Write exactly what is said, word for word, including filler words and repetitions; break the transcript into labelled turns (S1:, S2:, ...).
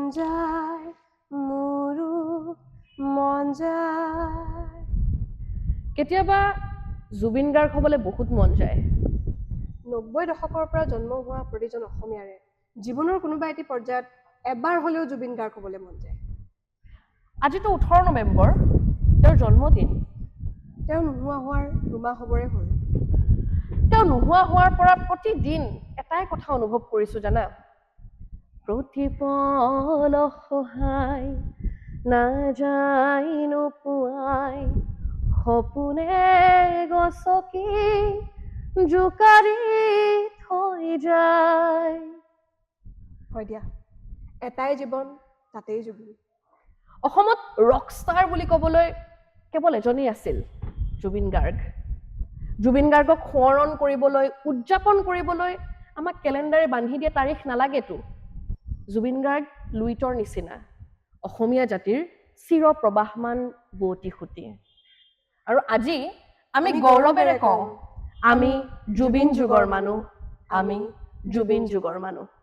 S1: যায় মোৰো মন যায়
S2: কেতিয়াবা জুবিন গাৰ্গ হ'বলৈ বহুত মন যায়
S1: নব্বৈ দশকৰ পৰা জন্ম হোৱা প্ৰতিজন অসমীয়াৰে জীৱনৰ কোনোবা এটি পৰ্যায়ত এবাৰ হ'লেও জুবিন গাৰ্গ হ'বলৈ মন যায়
S2: আজিতো ওঠৰ নৱেম্বৰ তেওঁৰ জন্মদিন
S1: তেওঁ নোহোৱা হোৱাৰ দুমাহ হ'বৰে হ'ল
S2: তেওঁ নোহোৱা হোৱাৰ পৰা প্ৰতিদিন এটাই কথা অনুভৱ কৰিছো জানা প্ৰতিপল সহায় নাযায় নোপোৱাই সপোনে গছকি জোকাৰি থৈ যায়
S1: হয় দিয়া এটাই জীৱন তাতেই জুবিন
S2: অসমত ৰকষ্টাৰ বুলি ক'বলৈ কেৱল এজনেই আছিল জুবিন গাৰ্গ জুবিন গাৰ্গক সোঁৱৰণ কৰিবলৈ উদযাপন কৰিবলৈ আমাক কেলেণ্ডাৰে বান্ধি দিয়া তাৰিখ নালাগেতো জুবিন গাৰ্গ লুইতৰ নিচিনা অসমীয়া জাতিৰ চিৰ প্ৰবাহমান বুৱতী সুঁতি আৰু আজি আমি গৌৰৱেৰে কওঁ আমি জুবিন যুগৰ মানুহ আমি জুবিন যুগৰ মানুহ